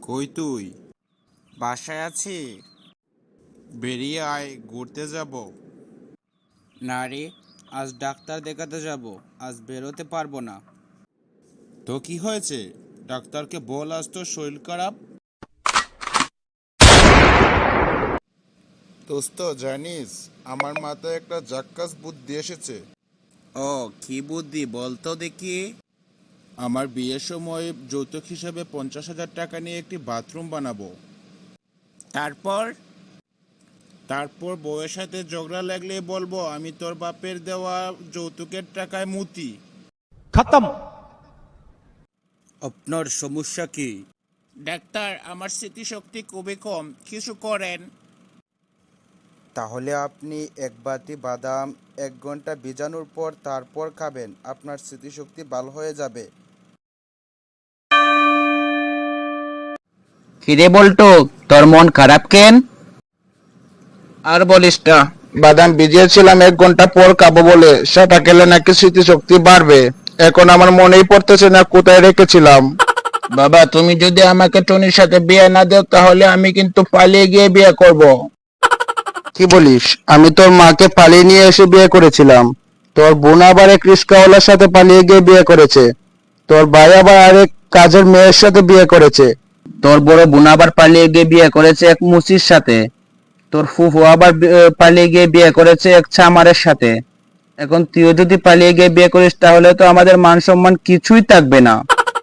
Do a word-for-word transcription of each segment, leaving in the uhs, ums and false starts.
কই তুই? বাসায় আছি। বেরিয়ে আয়, ঘুরতে যাব। না রে, আজ ডাক্তার দেখাতে যাব, আজ বেরোতে পারবো না। তো কি হয়েছে? ডাক্তারকে বল আজ তোর শরীর খারাপ। দোস্ত জানিস, আমার মাথায় একটা জাক্কাস বুদ্ধি এসেছে। ও, কি বুদ্ধি বলতো দেখি। আমার বিয়ের সময় যৌতুক হিসাবে পঞ্চাশ হাজার টাকা নিয়ে একটি বাথরুম বানাবো। তারপর? তারপর বউয়ের সাথে ঝগড়া লাগলে বলবো আমি তোর বাপের দেওয়া যৌতুকের টাকায় মুতি। खत्म। আপনার সমস্যা কি? ডাক্তার, আমার স্মৃতিশক্তি খুবই কম, কিছু করেন। তাহলে আপনি এক বাটি বাদাম এক ঘন্টা ভিজানোর পর তারপর খাবেন, আপনার স্মৃতিশক্তি ভালো হয়ে যাবে। কিরে বল্টু, তোর মন খারাপ কেন? আর বলিস না, বাদাম ভিজিয়েছিলাম এক ঘন্টা পর খাবো বলে, সেটা খেলে নাকি স্মৃতিশক্তি বাড়বে। এখন আমার মনেই পড়তেছে না কোথায় রেখেছিলাম। বাবা, তুমি যদি আমাকে টনির সাথে বিয়ে না দাও তাহলে আমি কিন্তু পালিয়ে গিয়ে বিয়ে করব। কি বলিস? আমি তোর মাকে পালিয়ে নিয়ে এসে বিয়ে করেছিলাম। তোর বোন আবার এক রিস্কাওয়ালার সাথে পালিয়ে গিয়ে বিয়ে করেছে। তোর ভাই আবার আরেক কাজের মেয়ের সাথে বিয়ে করেছে। তোর বড় বোন আবার পালিয়ে গিয়ে বিয়ে করেছে এক মুচির সাথে। তোর ফুফু আবার বি- আহ, পালিয়ে গিয়ে বিয়ে করেছে এক চামারের সাথে। এখন তুইও যদি পালিয়ে গিয়ে বিয়ে করিস তাহলে তো আমাদের মান সম্মান কিছুই থাকবে না।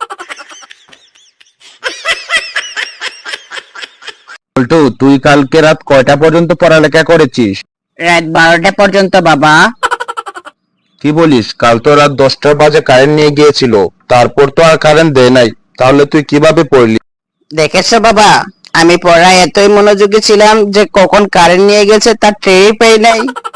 বল্টু, তুই কালকে রাত কয়টা পর্যন্ত পড়ালেখা করেছিস? রাত বারোটা পর্যন্ত বাবা। কি বলিস? কাল তো রাত দশটার বাজে কারেন্ট নিয়ে গিয়েছিল, তারপর তো আর কারেন্ট দেয় নাই। তাহলে তুই কিভাবে পড়লি? দেখেছো বাবা, আমি পড়ায় এতই মনোযোগী ছিলাম যে কখন কারেন্ট নিয়ে গেছে তার টেরই পাই নাই।